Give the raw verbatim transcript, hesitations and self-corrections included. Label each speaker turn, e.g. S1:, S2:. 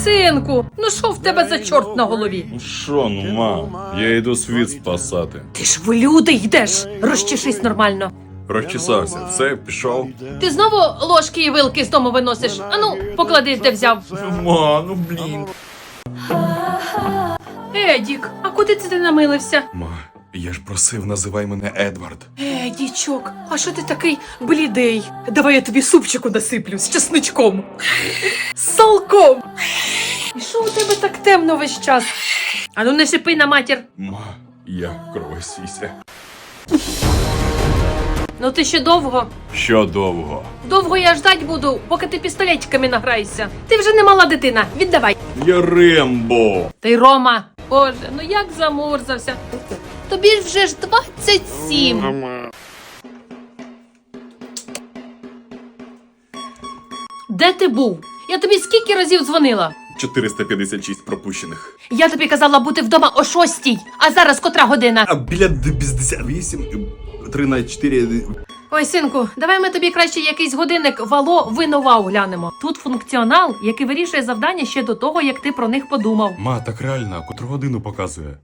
S1: Синку, ну що в тебе за чорт на голові?
S2: Що, ну, мам, я йду світ спасати.
S1: Ти ж в люди йдеш. Розчешись нормально.
S2: Розчесався, все, пішов.
S1: Ти знову ложки і вилки з дому виносиш? Ану, поклади, де взяв.
S2: Ма, ну блін.
S1: Едік, а куди це ти намилився?
S2: Ма, я ж просив, називай мене Едвард.
S1: Едічок, а що ти такий блідий? Давай я тобі супчику насиплю з чесничком. З салком. І що у тебе так темно весь час? Ану не шипи на матір.
S2: Ма, я кровосіся.
S1: Ну ти ще довго?
S2: Що довго?
S1: Довго я ждать буду, поки ти пістолетиками награєшся. Ти вже не мала дитина, віддавай.
S2: Я Рембо.
S1: Ти Рома, боже, ну як замурзався. Тобі ж вже ж двадцять сім. Де ти був? Я тобі скільки разів дзвонила?
S2: чотириста п'ятдесят шість пропущених.
S1: Я тобі казала бути вдома о шостій, а зараз котра година?
S2: А біля п'ятдесят вісім, тринадцять чотири.
S1: Ой, синку, давай ми тобі краще якийсь годинник Вало Винова глянемо. Тут функціонал, який вирішує завдання ще до того, як ти про них подумав.
S2: Ма, так реально, котру годину показує?